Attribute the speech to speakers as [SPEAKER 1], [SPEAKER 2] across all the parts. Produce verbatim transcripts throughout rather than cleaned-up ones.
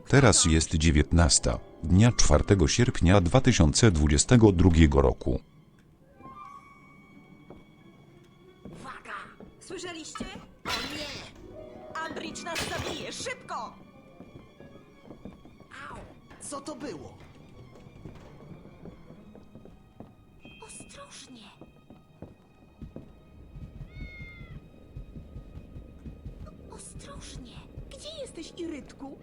[SPEAKER 1] Teraz jest dziewiętnasta, dnia czwartego sierpnia dwa tysiące dwudziestego drugiego roku.
[SPEAKER 2] Uwaga! Słyszeliście? O nie! Ambridge nas zabije! Szybko! Au!
[SPEAKER 3] Co to było?
[SPEAKER 2] Ostrożnie! Ostrożnie! Gdzie jesteś, Irytku?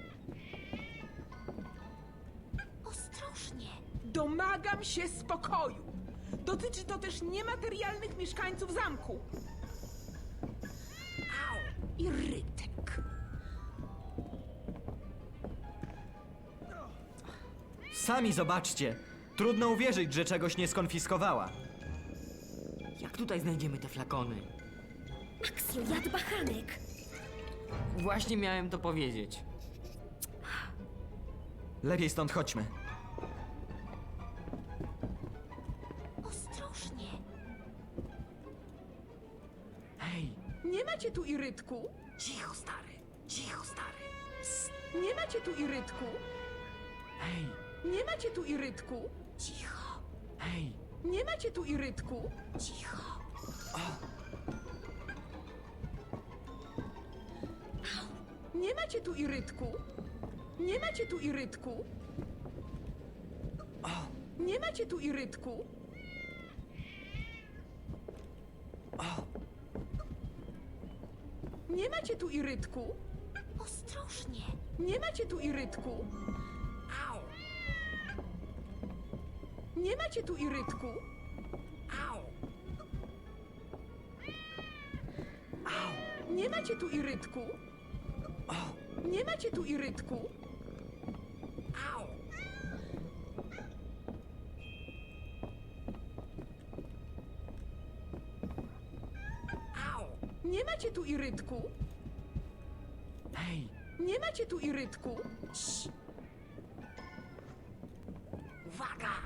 [SPEAKER 2] Ostrożnie!
[SPEAKER 4] Domagam się spokoju. Dotyczy to też niematerialnych mieszkańców zamku.
[SPEAKER 2] Au! Irytek!
[SPEAKER 5] Sami zobaczcie. Trudno uwierzyć, że czegoś nie skonfiskowała.
[SPEAKER 6] Jak tutaj znajdziemy te flakony?
[SPEAKER 2] Axio, jad bachanek!
[SPEAKER 6] Właśnie miałem to powiedzieć.
[SPEAKER 5] Lepiej stąd chodźmy.
[SPEAKER 2] Ostrożnie!
[SPEAKER 5] Hej,
[SPEAKER 4] Nie macie tu Irytku?
[SPEAKER 2] Cicho, stary! Cicho, stary!
[SPEAKER 4] Nie macie tu Irytku?
[SPEAKER 5] hej,
[SPEAKER 4] Nie macie tu Irytku?
[SPEAKER 2] Cicho!
[SPEAKER 5] hej.
[SPEAKER 4] Nie macie tu Irytku?
[SPEAKER 2] Cicho!
[SPEAKER 4] Nie macie tu Irytku? Nie macie tu Irytku? Nie macie tu Irytku? Nie macie tu Irytku?
[SPEAKER 2] Ostrożnie!
[SPEAKER 4] Nie macie tu Irytku?
[SPEAKER 2] Au!
[SPEAKER 4] Nie macie tu Irytku?
[SPEAKER 2] Au!
[SPEAKER 4] Nie macie tu Irytku? Nie macie tu Irytku?
[SPEAKER 2] Au! Au!
[SPEAKER 4] Nie macie tu Irytku?
[SPEAKER 5] Hej,
[SPEAKER 4] Nie macie tu Irytku?
[SPEAKER 2] Uwaga!